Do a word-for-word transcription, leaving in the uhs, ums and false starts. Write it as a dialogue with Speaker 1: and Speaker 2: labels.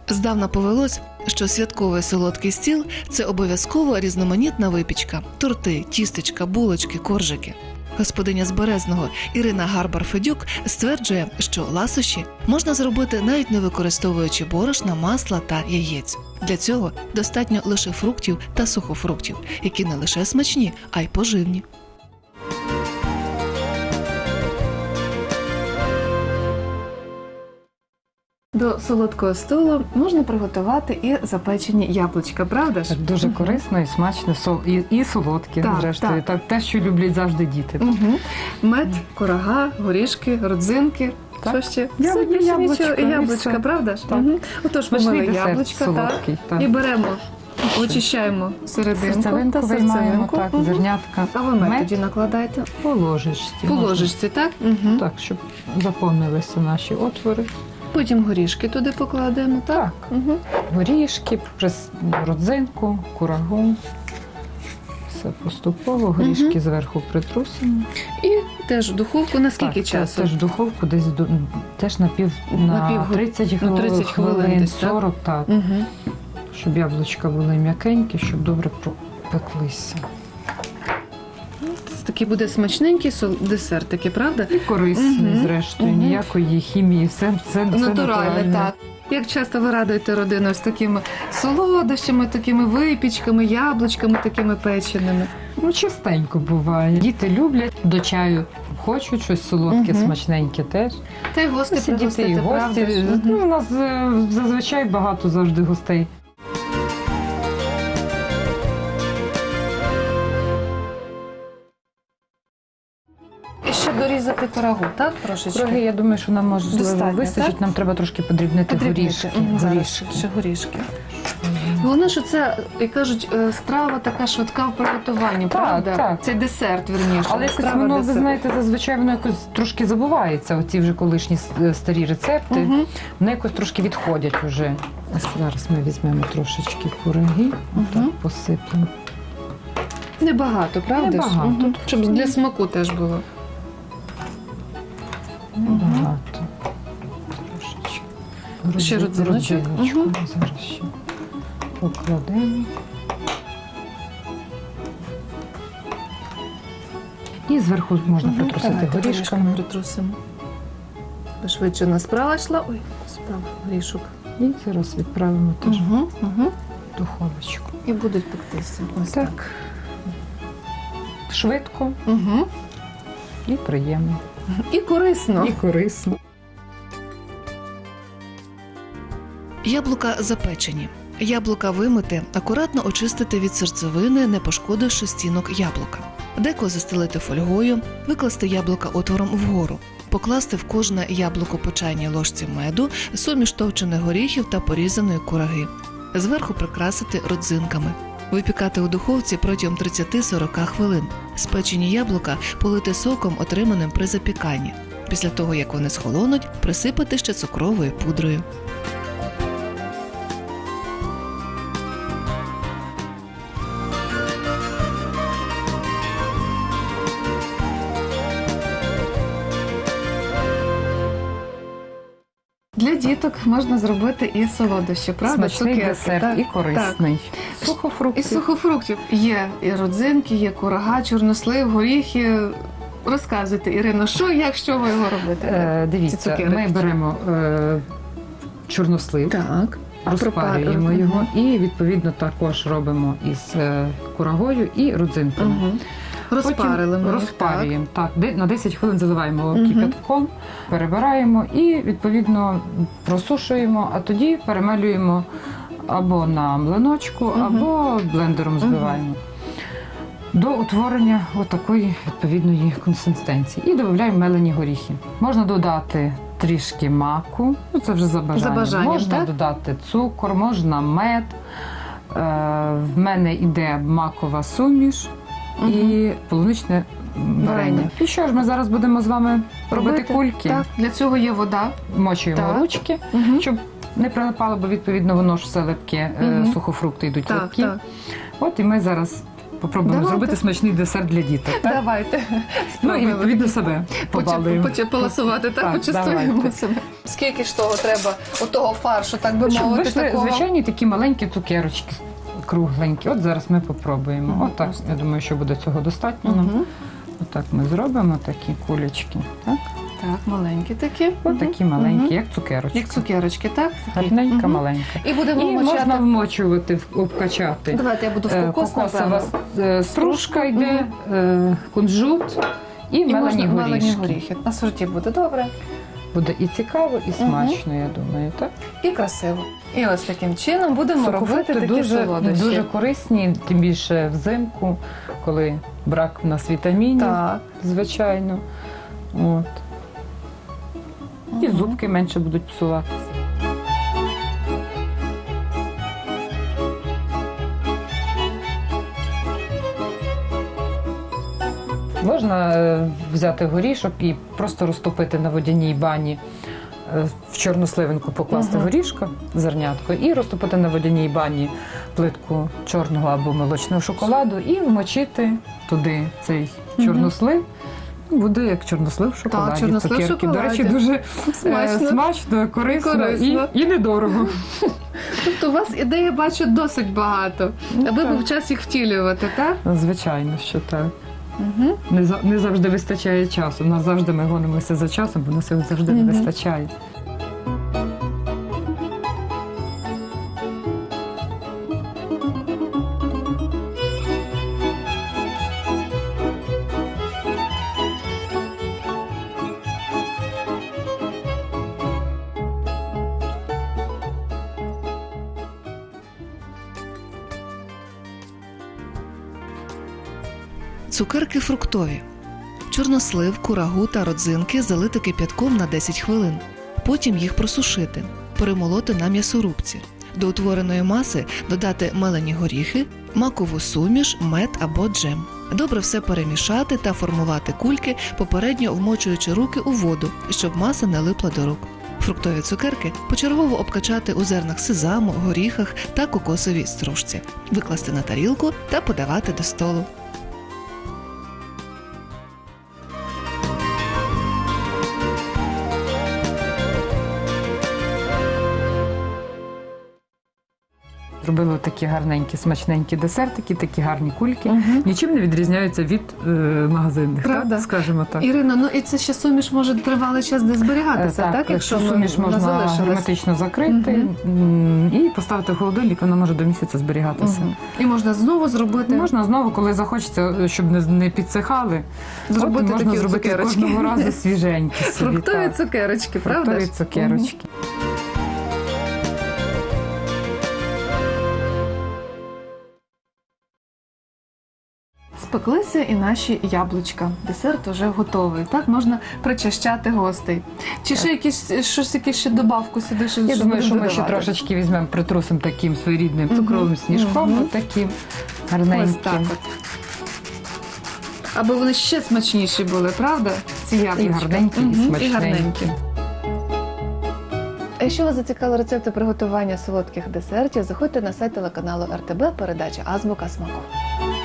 Speaker 1: Здавна повелось, що святковий солодкий стіл – це обов'язково різноманітна випічка – торти, тістечка, булочки, коржики. Господиня з Березного Ірина Гарбар-Федюк стверджує, що ласощі можна зробити навіть не використовуючи борошна, масла та яєць. Для цього достатньо лише фруктів та сухофруктів, які не лише смачні, а й поживні. До солодкого столу можна приготувати і запечені яблучка, правда ж?
Speaker 2: Так, дуже корисно і смачно, сол- і, і солодке,
Speaker 1: Так,
Speaker 2: зрештою.
Speaker 1: так.
Speaker 2: Так, те, що люблять завжди діти.
Speaker 1: Угу. Мед, курага, горішки, родзинки.
Speaker 2: Так.
Speaker 1: Що ще?
Speaker 2: Я-
Speaker 1: Все, більше
Speaker 2: яблучка,
Speaker 1: нічого.
Speaker 2: і
Speaker 1: яблучка,
Speaker 2: все.
Speaker 1: правда ж?
Speaker 2: Так.
Speaker 1: Угу. Отож,
Speaker 2: Смачний
Speaker 1: помили
Speaker 2: десерт
Speaker 1: яблучка, так.
Speaker 2: солодкий. Так.
Speaker 1: І беремо, очищаємо серединку
Speaker 2: Серцевинку
Speaker 1: та
Speaker 2: виймаємо,
Speaker 1: серцевинку.
Speaker 2: так,
Speaker 1: Мгм.
Speaker 2: зернятка.
Speaker 1: А ви мед
Speaker 2: Мед
Speaker 1: тоді накладаєте?
Speaker 2: по ложечці.
Speaker 1: По
Speaker 2: можна.
Speaker 1: ложечці, так? Угу.
Speaker 2: Так, щоб заповнилися наші отвори.
Speaker 1: Потім горішки туди покладемо, так?
Speaker 2: Так.
Speaker 1: Угу.
Speaker 2: Горішки, прис- родзинку, курагу. Все поступово, горішки
Speaker 1: Мгм.
Speaker 2: зверху притрусимо.
Speaker 1: І теж в духовку на скільки
Speaker 2: Так,
Speaker 1: часу?
Speaker 2: Теж в духовку десь до, теж на пів
Speaker 1: На
Speaker 2: на,
Speaker 1: пів год-
Speaker 2: тридцять
Speaker 1: на
Speaker 2: хвилин,
Speaker 1: тридцять хвилин десь, так?
Speaker 2: сорок, так.
Speaker 1: Угу.
Speaker 2: Щоб яблучка були м'якенькі, щоб добре пропеклися.
Speaker 1: Це такий буде смачненький сол- десерт, такий, правда?
Speaker 2: І корисний,
Speaker 1: Мгм.
Speaker 2: зрештою,
Speaker 1: Мгм.
Speaker 2: ніякої хімії, все, все, все
Speaker 1: Натуральне, так. Як часто ви радуєте родину з такими солодощами, такими випічками, яблучками, такими печеними?
Speaker 2: Ну, частенько буває. Діти люблять, до чаю хочуть щось солодке,
Speaker 1: Мгм.
Speaker 2: смачненьке теж.
Speaker 1: Та й гості
Speaker 2: Діти
Speaker 1: пригостити,
Speaker 2: і
Speaker 1: правда
Speaker 2: гості.
Speaker 1: ж?
Speaker 2: Ну,
Speaker 1: Мгм.
Speaker 2: у нас е, зазвичай багато завжди гостей.
Speaker 1: І ще дорізати пирогу, так, трошечки?
Speaker 2: Кураги, я думаю, що нам можливо
Speaker 1: Достатньо,
Speaker 2: вистачить.
Speaker 1: так?
Speaker 2: Нам треба трошки подрібнити
Speaker 1: Подрібнити.
Speaker 2: горішки.
Speaker 1: Мгм, зараз
Speaker 2: горішки.
Speaker 1: ще горішки. Головне, що це, як кажуть, е, страва така швидка в приготуванні, правда?
Speaker 2: так.
Speaker 1: Це десерт, вірніше.
Speaker 2: Але якось
Speaker 1: страва
Speaker 2: воно, ви
Speaker 1: десерт.
Speaker 2: знаєте, зазвичай воно якось трошки забувається, оці вже колишні с- старі рецепти.
Speaker 1: Мгм.
Speaker 2: Вони якось трошки відходять уже. А зараз ми візьмемо трошечки кураги, отак
Speaker 1: Мгм.
Speaker 2: посипемо.
Speaker 1: Небагато, правда? ж?
Speaker 2: Небагато.
Speaker 1: Мгм. Щоб для смаку теж було.
Speaker 2: Небагато. Трошечки.
Speaker 1: Ще
Speaker 2: Родзи-
Speaker 1: родзиночок.
Speaker 2: родзиночку
Speaker 1: Мгм.
Speaker 2: ми зараз ще покладемо. І зверху можна
Speaker 1: Мгм.
Speaker 2: притрусити
Speaker 1: Давайте
Speaker 2: горішками.
Speaker 1: притрусимо. Бо швидше у нас справа йшла. Ой, справа горішок.
Speaker 2: І зараз відправимо теж
Speaker 1: Угу, угу.
Speaker 2: в духовочку.
Speaker 1: І будуть пектися. Ось
Speaker 2: Так. Швидко
Speaker 1: Угу.
Speaker 2: і приємно.
Speaker 1: І корисно.
Speaker 2: І корисно.
Speaker 1: Яблука запечені. Яблука вимити, акуратно очистити від серцевини, не пошкодивши стінок яблука. Деко застелити фольгою, викласти яблука отвором вгору, покласти в кожне яблуко по чайній ложці меду, суміш товчених горіхів та порізаної кураги. Зверху прикрасити родзинками. Випікати у духовці протягом тридцять-сорок хвилин. Спечені яблука полити соком, отриманим при запіканні. Після того, як вони схолонуть, присипати ще цукровою пудрою. Для діток можна зробити і солодощі, правда?
Speaker 2: Смачний
Speaker 1: Цукерки,
Speaker 2: десерт
Speaker 1: так,
Speaker 2: і корисний.
Speaker 1: так.
Speaker 2: Сухофрукти.
Speaker 1: І сухофруктів. Є і родзинки, є курага, чорнослив, горіхи. Розказуйте, Ірино, що, як, що ви його робите?
Speaker 2: Е,
Speaker 1: Ці
Speaker 2: дивіться,
Speaker 1: цукерки.
Speaker 2: ми беремо е, чорнослив,
Speaker 1: Так.
Speaker 2: розпарюємо
Speaker 1: Пропар-
Speaker 2: його
Speaker 1: Мгм.
Speaker 2: і відповідно також робимо із е, курагою і родзинками.
Speaker 1: Угу. Розпарили ми їх,
Speaker 2: розпарюємо. Так, де- на десять хвилин заливаємо
Speaker 1: Мгм.
Speaker 2: кипятком, перебираємо і відповідно просушуємо, а тоді перемелюємо або на млиночку,
Speaker 1: Мгм.
Speaker 2: або блендером збиваємо. До утворення отакої відповідної консистенції. І додаємо мелені горіхи. Можна додати трішки маку, ну це вже за бажанням.
Speaker 1: За бажанням,
Speaker 2: можна
Speaker 1: так?
Speaker 2: додати цукор, можна мед. Е, в мене йде макова суміш
Speaker 1: Мгм.
Speaker 2: і полуничне варення.
Speaker 1: Варення.
Speaker 2: І що ж, ми зараз будемо з вами робити,
Speaker 1: Робити?
Speaker 2: кульки.
Speaker 1: Так, для цього є вода.
Speaker 2: Мочуємо
Speaker 1: Так.
Speaker 2: ручки,
Speaker 1: Угу.
Speaker 2: щоб не прилипало, бо відповідно воно ж все липке, е,
Speaker 1: Мгм.
Speaker 2: сухофрукти йдуть
Speaker 1: Так,
Speaker 2: липкі.
Speaker 1: так.
Speaker 2: От і ми зараз попробуємо
Speaker 1: Давайте.
Speaker 2: зробити смачний десерт для діток. Так?
Speaker 1: Давайте.
Speaker 2: Ну і відповідно себе побалуємо.
Speaker 1: Полосувати, так,
Speaker 2: Так,
Speaker 1: почастуємо
Speaker 2: давайте.
Speaker 1: себе. Скільки ж того треба, отого фаршу, так би
Speaker 2: Щоб
Speaker 1: мовити,
Speaker 2: вийшли
Speaker 1: такого?
Speaker 2: звичайні такі маленькі цукерочки кругленькі. От зараз ми попробуємо.
Speaker 1: Мгм,
Speaker 2: Отак,
Speaker 1: просто.
Speaker 2: я думаю, що буде цього достатньо. нам.
Speaker 1: Мгм.
Speaker 2: Отак ми зробимо такі кулечки. Так?
Speaker 1: Так, маленькі такі.
Speaker 2: От такі
Speaker 1: Мгм.
Speaker 2: маленькі,
Speaker 1: Мгм.
Speaker 2: як цукерочки.
Speaker 1: Як цукерочки, так? Такі.
Speaker 2: Гарненька,
Speaker 1: Мгм.
Speaker 2: маленька.
Speaker 1: І будемо
Speaker 2: І
Speaker 1: вмочати.
Speaker 2: можна вмочувати, в- обкачати.
Speaker 1: Давайте я буду в
Speaker 2: Е,
Speaker 1: кокос,
Speaker 2: Кокосова
Speaker 1: напевно.
Speaker 2: е, стружка йде, е, кунжут і,
Speaker 1: І
Speaker 2: мелені
Speaker 1: можна мелені
Speaker 2: горішки.
Speaker 1: горіхи. На сорті буде добре.
Speaker 2: Буде і цікаво, і смачно, я думаю. Так?
Speaker 1: І красиво. І ось таким чином будемо робити
Speaker 2: Сухофрукти
Speaker 1: такі
Speaker 2: дуже,
Speaker 1: солодощі.
Speaker 2: дуже корисні, тим більше взимку, коли брак в нас вітамінів,
Speaker 1: Так.
Speaker 2: звичайно. От. І
Speaker 1: Мгм.
Speaker 2: зубки менше будуть псуватися. Можна е, взяти горішок і просто розтопити на водяній бані, е, в чорну сливинку покласти
Speaker 1: Мгм.
Speaker 2: горішка, зернятко, і розтопити на водяній бані плитку чорного або молочного шоколаду і вмочити туди цей
Speaker 1: Мгм.
Speaker 2: чорнослив. Буде як чорнослив в шоколаді.
Speaker 1: чорнослив в
Speaker 2: Цукерки. До
Speaker 1: шоколаді.
Speaker 2: речі, дуже
Speaker 1: Смачно.
Speaker 2: смачно, смачно корисно,
Speaker 1: Корисно.
Speaker 2: І, і недорого.
Speaker 1: Тобто у вас ідей, я бачу, досить багато.
Speaker 2: Ну,
Speaker 1: Аби
Speaker 2: так.
Speaker 1: був час їх втілювати, так?
Speaker 2: Звичайно, що так.
Speaker 1: Угу.
Speaker 2: Не, за- не завжди вистачає часу. У нас завжди ми гонимося за часом, бо нас його завжди
Speaker 1: Мгм.
Speaker 2: не вистачає.
Speaker 1: Цукерки фруктові. Чорнослив, курагу та родзинки залити кип'ятком на десять хвилин. Потім їх просушити, перемолоти на м'ясорубці. До утвореної маси додати мелені горіхи, макову суміш, мед або джем. Добре все перемішати та формувати кульки, попередньо вмочуючи руки у воду, щоб маса не липла до рук. Фруктові цукерки почергово обкачати у зернах сезаму, горіхах та кокосовій стружці, викласти на тарілку та подавати до столу.
Speaker 2: Зробили такі гарненькі, смачненькі десертики, такі гарні кульки.
Speaker 1: Мгм.
Speaker 2: Нічим не відрізняються від е, магазинних,
Speaker 1: Правда?
Speaker 2: так? Скажімо так.
Speaker 1: Ірино, ну і це ще суміш може тривалий час де зберігатися,
Speaker 2: Е,
Speaker 1: так?
Speaker 2: якщо
Speaker 1: ми-
Speaker 2: суміш
Speaker 1: вона
Speaker 2: можна
Speaker 1: залишилась.
Speaker 2: герметично закрити м, і поставити в холодильник, вона може до місяця зберігатися.
Speaker 1: Мгм. І можна знову зробити,
Speaker 2: Можна знову, коли захочеться, щоб не, не підсихали,
Speaker 1: зробити
Speaker 2: от можна
Speaker 1: такі
Speaker 2: зробити
Speaker 1: цукерочки.
Speaker 2: кожного разу свіженькі собі.
Speaker 1: Фруктові
Speaker 2: так.
Speaker 1: цукерочки, правда?
Speaker 2: Фруктові
Speaker 1: ж?
Speaker 2: цукерочки.
Speaker 1: Спеклися і наші яблучка. Десерт уже готовий. Так можна причащати гостей. Чи ще якісь щось, якісь ще добавку сюди? Що,
Speaker 2: Я
Speaker 1: що
Speaker 2: думаю, що
Speaker 1: будемо
Speaker 2: ми ще
Speaker 1: додавати?
Speaker 2: трошечки візьмемо, притрусимо таким своєрідним
Speaker 1: Мгм.
Speaker 2: цукровим сніжком,
Speaker 1: Мгм.
Speaker 2: от таким
Speaker 1: Ось
Speaker 2: гарненьким.
Speaker 1: так от. Аби вони ще смачніші були, правда? Ці яблучка.
Speaker 2: гарненькі, і
Speaker 1: Мгм,
Speaker 2: смачненькі.
Speaker 1: І гарненькі. А якщо вас зацікавили рецепти приготування солодких десертів, заходьте на сайт телеканалу ер те бе, передача Азбука смаку.